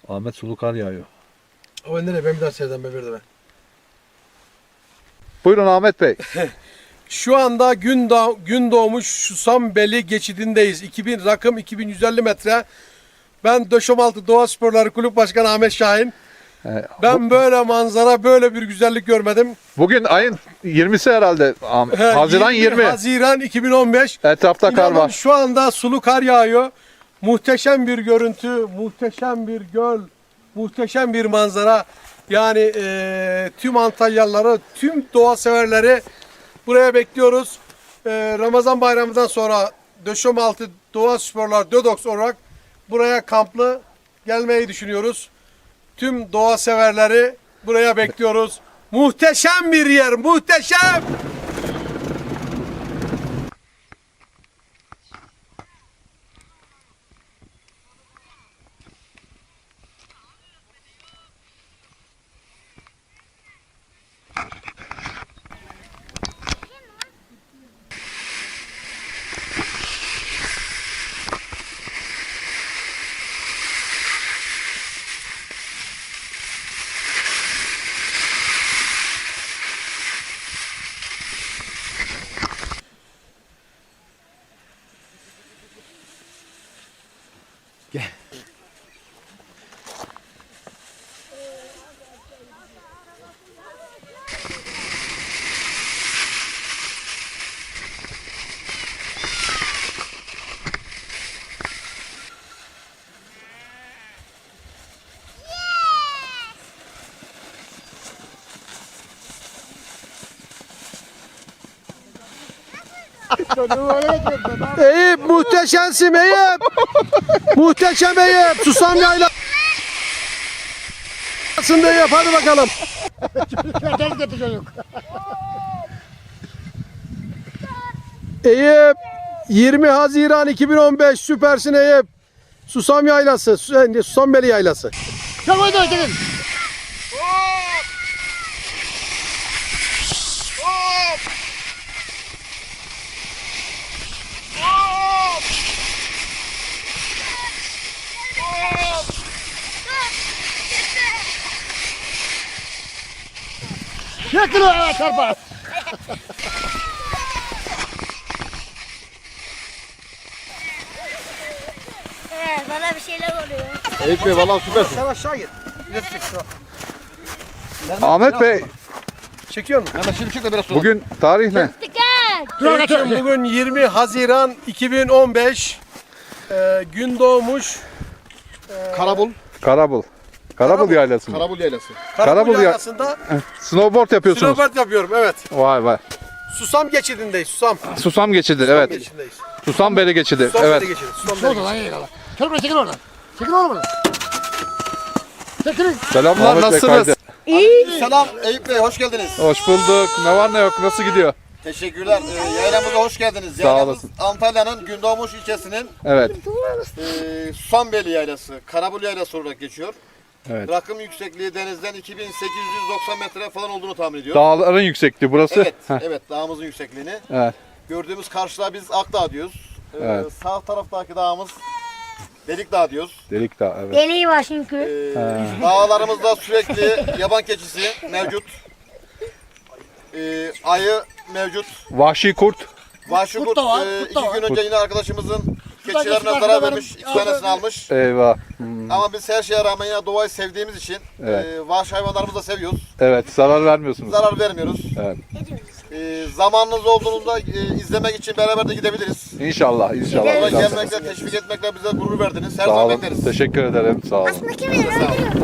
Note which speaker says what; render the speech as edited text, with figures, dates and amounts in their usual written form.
Speaker 1: Ahmet sulu kar yağıyor.
Speaker 2: O nereye? Ben bir daha sevdim be bir de ben.
Speaker 1: Buyurun Ahmet Bey.
Speaker 2: Şu anda gün doğmuş Susambeli geçidindeyiz. 2000 rakım 2150 metre. Ben Döşemaltı Doğa Sporları Kulüp Başkanı Ahmet Şahin. Ben böyle manzara, böyle bir güzellik görmedim.
Speaker 1: Bugün ayın 20'si herhalde. Haziran 20.
Speaker 2: Haziran 2015.
Speaker 1: Etrafta kar
Speaker 2: İnanın
Speaker 1: var.
Speaker 2: şu anda sulu kar yağıyor. Muhteşem bir görüntü, muhteşem bir göl, muhteşem bir manzara. Yani tüm Antalyalıları, tüm doğa severleri buraya bekliyoruz. Ramazan bayramından sonra Döşemaltı Doğa Sporlar DÖDOX olarak buraya kamplı gelmeyi düşünüyoruz. Tüm doğa severleri buraya bekliyoruz. Muhteşem bir yer, muhteşem! Eyüp muhteşemsin Eyüp. Muhteşem Eyüp. Susam yaylasında Eyüp. Hadi bakalım. Eyüp 20 Haziran 2015 süpersin Eyüp. Susam yaylası. Susambeli yaylası.
Speaker 3: Çabuk dur çekin. Çekin o çarpar.
Speaker 4: Bana bir şeyler oluyor.
Speaker 1: Eyüp Bey valla süpersin.
Speaker 2: Sen aşağı git.
Speaker 1: Ahmet Bey
Speaker 2: Çekiyor musun?
Speaker 3: Hemen şimdi çık da biraz sonra.
Speaker 1: bugün tarih ne?
Speaker 2: Eyüp'cüğüm, bugün 20 Haziran 2015. Gün doğmuş.
Speaker 3: Karabul.
Speaker 1: Karabul. Karabul yaylası mı?
Speaker 3: Karabul yaylası.
Speaker 2: Karabul
Speaker 1: ya-
Speaker 2: yaylasında
Speaker 1: Snowboard yapıyorsunuz.
Speaker 2: snowboard yapıyorum. Evet.
Speaker 1: Vay vay.
Speaker 2: Susam geçidindeyiz. Susam.
Speaker 1: Susam geçidi evet.
Speaker 2: Geçidindeyiz.
Speaker 1: Susambeli geçidi
Speaker 2: Susam
Speaker 1: evet.
Speaker 2: geçidi. Susam
Speaker 3: Şurada lan iyi kala. Çabuk dur çekil oradan. Çekil oradan. Çekilin.
Speaker 1: Selamlar
Speaker 5: Ahmet Bey,
Speaker 1: nasılsınız?
Speaker 5: Selam Eyüp Bey, hoş geldiniz.
Speaker 1: Hoş bulduk. Ne var ne yok nasıl gidiyor?
Speaker 5: Teşekkürler. Yaylamıza hoş geldiniz.
Speaker 1: Sağ
Speaker 5: Yaylamız
Speaker 1: olasın.
Speaker 5: Gündoğmuş Gündoğmuş ilçesinin
Speaker 1: Evet.
Speaker 5: Susambeli Yaylası, Karabul Yaylası olarak geçiyor.
Speaker 1: Evet.
Speaker 5: Rakım yüksekliği denizden 2890 metre falan olduğunu tahmin ediyorum.
Speaker 1: Dağların yüksekliği burası.
Speaker 5: Evet,
Speaker 1: Heh,
Speaker 5: evet dağımızın yüksekliğini.
Speaker 1: evet.
Speaker 5: Gördüğümüz karşıda biz Akdağ diyoruz.
Speaker 1: Evet.
Speaker 5: Sağ taraftaki dağımız Delikdağ diyoruz.
Speaker 1: Delik dağ evet.
Speaker 4: Deliği var çünkü.
Speaker 5: Dağlarımızda sürekli yaban keçisi mevcut. Ayı mevcut.
Speaker 1: Vahşi kurt.
Speaker 5: Vahşi
Speaker 3: Kurt
Speaker 5: kurt
Speaker 3: da var,
Speaker 5: 2
Speaker 3: kurt da var.
Speaker 5: gün önce yine arkadaşımızın
Speaker 3: Şuradan
Speaker 5: keçilerine
Speaker 3: geçin,
Speaker 5: zarar
Speaker 3: arkadan
Speaker 5: vermiş.
Speaker 3: benim-
Speaker 5: 2 tanesini almış.
Speaker 1: Eyvah.
Speaker 5: Ama biz her şeye rağmen yine doğayı sevdiğimiz için
Speaker 1: Evet.
Speaker 5: vahşi hayvanlarımızı da seviyoruz.
Speaker 1: Evet zarar vermiyorsunuz.
Speaker 5: Zarar vermiyoruz.
Speaker 1: Evet.
Speaker 5: Zamanınız olduğunda izlemek için beraber de gidebiliriz.
Speaker 1: İnşallah inşallah.
Speaker 5: Orada
Speaker 1: inşallah.
Speaker 5: gelmekle, teşvik etmekle bize gurur verdiniz. Her
Speaker 1: Sağ
Speaker 5: zaman
Speaker 1: olun.
Speaker 5: bekleriz.
Speaker 1: Teşekkür ederim. Sağ olun.
Speaker 4: Kim bilir öldürür.